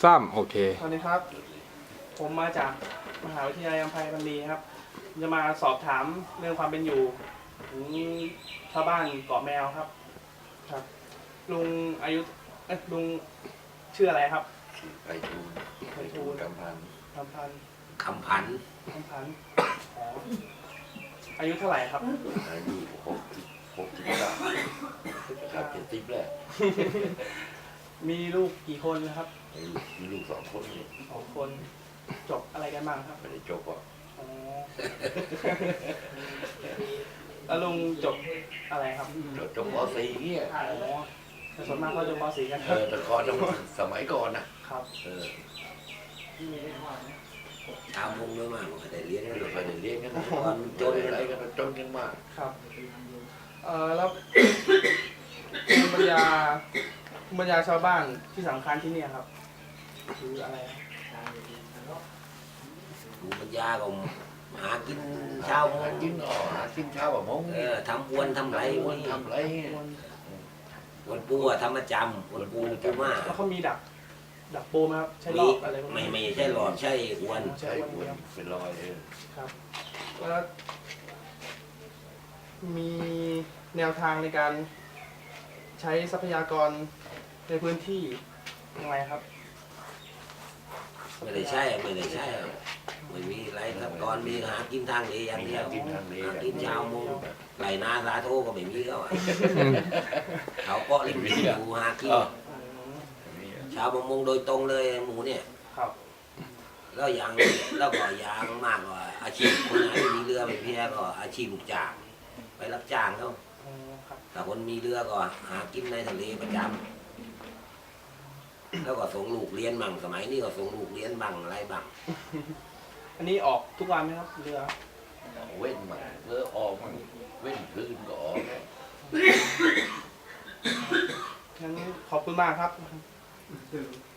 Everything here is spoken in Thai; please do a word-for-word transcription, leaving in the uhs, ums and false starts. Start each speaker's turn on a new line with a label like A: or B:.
A: ซ้ำโอเค
B: สวัสดีครับ ผมมาจากมหาวิทยาลัยอัมพายบัณฑิตครับ จะมาสอบถามเรื่องความเป็นอยู่ของชาวบ้านเกาะแมวครับ ครับ ลุงอายุเอ๊ะลุงชื่ออะไรครับ
C: ไปทูล
B: ไพฑูรย์
C: กำพัน
B: คำพันธ์
D: คำพัน
B: คำพันธ์อ๋ออายุเท่าไหร่ครับ
C: อายุหกสิบหกสิบเก้าครับเจ็ดสิบแล้ว
B: มีลูกกี่คนนะครับ
C: มีลูกมีลูกสองคนนี่
B: สองคนจบอะไรกันบ้างครับ
C: ไม่ได้จบอ่ะ
B: อ๋อ แล้วลุงจบอะไรครับ
C: จบจบป .สี่ เนี่ย
B: อ๋อแต่ส่วนมากเขาจบป .สี่ กัน
C: เออแต่ก่อนต้องสมัยก่อนนะครับ เออ
D: ชาวมงด้วยมากไม่ได้เรียน
C: ไม่
D: กัน
C: ได้
D: เลย
C: ไปเรียนกันนะ
D: ตอนจน
C: อะไรกันจนกันมาก
B: ครับ เอ่อแล้ว ภูมิปัญญาภูมิปัญญาชาวบ้านที่สำคัญที่เนี่ยครับคืออะไรครับ
D: ดูปัญญาก็หากินเช้า
C: หากินอ๋อหากินเช้าแบบมง
D: เออทำอวนทำไร
C: วั
D: วัน น
C: ทำไรเนี่ย
D: วันปูอะทำประจำวันปูปูมาก
B: แล้วเขามีดัก ดักปูไหมครับ ใช้ร
D: มี
B: อบอะไรพวก
D: ไม่
B: นี้
D: ไม่ใช่หลอดใช่อวน
B: ใช้
C: ใช่
B: วัน
C: วน
B: เดียว
C: เป็นรอยเออ
B: ครับ แล้วมีแนวทางในการใช้ทรัพยากรในพื้นที่ยังไงครับ
D: ไม่ได้ใช่ไม่ได้ใช่ไม่มีไรครับก่อนมีหากินทางนี้อย่าง
C: มี
D: เดีย
C: หาว กินทางนี้
D: หากินเช้าโมงไรนาสาโทก็ไม่มีเขาอะเขาเกาะริมที่อยู่หากิน
C: อ๋อ
D: ชาวประมงโดยตรงเลยหมูเนี่ย
B: ครับ
D: แล้วอย่างแล้วก็อย่างมากกว่าอาชีพคนไหนไม่มีเรือไม่เพียก็อาชีพลูกจ้างไปรับจ้างเขา
B: อ๋อครับ
D: แต่คนมีเรือก็หากินในทะเลประจำแล้วก็ส่งลูกเรียนบ้างสมัยนี้ก็ส่งลูกเรียนบ้างอะไรบ้าง
B: อันนี้ออกทุกวันไหมครับเรือ
C: เว้นมาเลือออกมันเว้นคืนก็ออก
B: งั้นขอบคุณมากครับ